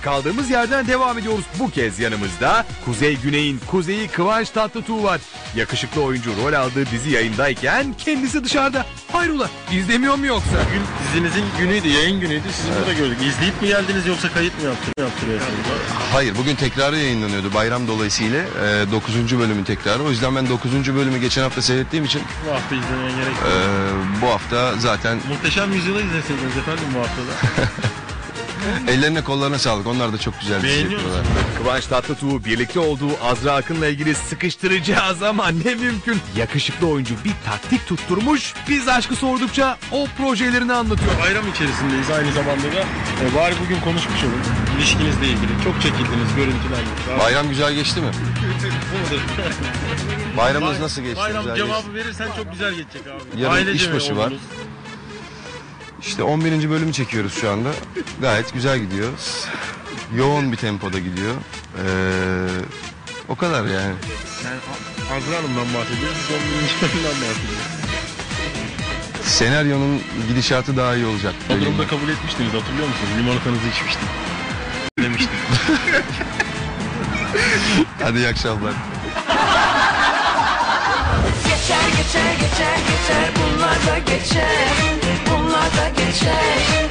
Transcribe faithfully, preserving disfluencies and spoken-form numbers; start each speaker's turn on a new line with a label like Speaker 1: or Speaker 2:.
Speaker 1: Kaldığımız yerden devam ediyoruz. Bu kez yanımızda Kuzey Güney'in kuzeyi Kıvanç Tatlıtuğ var. Yakışıklı oyuncu rol aldığı dizi yayındayken kendisi dışarıda. Hayrola, izlemiyor mu yoksa?
Speaker 2: Bugün dizinizin günüydü, yayın günüydü. Sizi evet. Burada gördük. İzleyip mi geldiniz yoksa kayıt mı yaptır yaptırıyorsunuz?
Speaker 3: Hayır, bugün tekrarı yayınlanıyordu bayram dolayısıyla. E, dokuzuncu bölümün tekrarı. O yüzden ben dokuzuncu bölümü geçen hafta seyrettiğim için
Speaker 2: bu hafta izlemeye gerek yok.
Speaker 3: E, bu hafta zaten
Speaker 2: Muhteşem Yüzyıl'ı izleseydiniz efendim bu haftada.
Speaker 3: Ellerine kollarına sağlık. Onlar da çok güzel dizi yapıyorlar.
Speaker 1: Kıvanç Tatlıtuğ birlikte olduğu Azra Akın'la ilgili sıkıştıracağız ama ne mümkün. Yakışıklı oyuncu bir taktik tutturmuş. Biz aşkı sordukça o projelerini anlatıyor.
Speaker 2: Bayram içerisindeyiz aynı zamanda da. E, bari bugün konuşmuş olun. İlişkinizle ilgili. Çok çekildiniz görüntülerle.
Speaker 3: Bayram güzel geçti mi?
Speaker 2: Bu mudur?
Speaker 3: Bayramınız nasıl geçti?
Speaker 2: Bayram
Speaker 3: güzel
Speaker 2: cevabı
Speaker 3: geçti.
Speaker 2: verirsen çok güzel geçecek abi.
Speaker 3: Yarın
Speaker 2: Ailece
Speaker 3: işbaşı var. İşte on birinci bölümü çekiyoruz şu anda. Gayet güzel gidiyor. Yoğun bir tempoda gidiyor. Ee, o kadar yani.
Speaker 2: Yani Azra Hanım'dan bahsediyoruz. on birinci bölümden bahsediyoruz.
Speaker 3: Senaryonun gidişatı daha iyi olacak.
Speaker 2: O durumda kabul etmiştiniz, hatırlıyor musunuz? Limonatanızı içmiştim. Demiştim.
Speaker 3: Hadi iyi akşamlar.
Speaker 4: Geçer geçer geçer geçer bunlar da geçer, bunlar da geçer.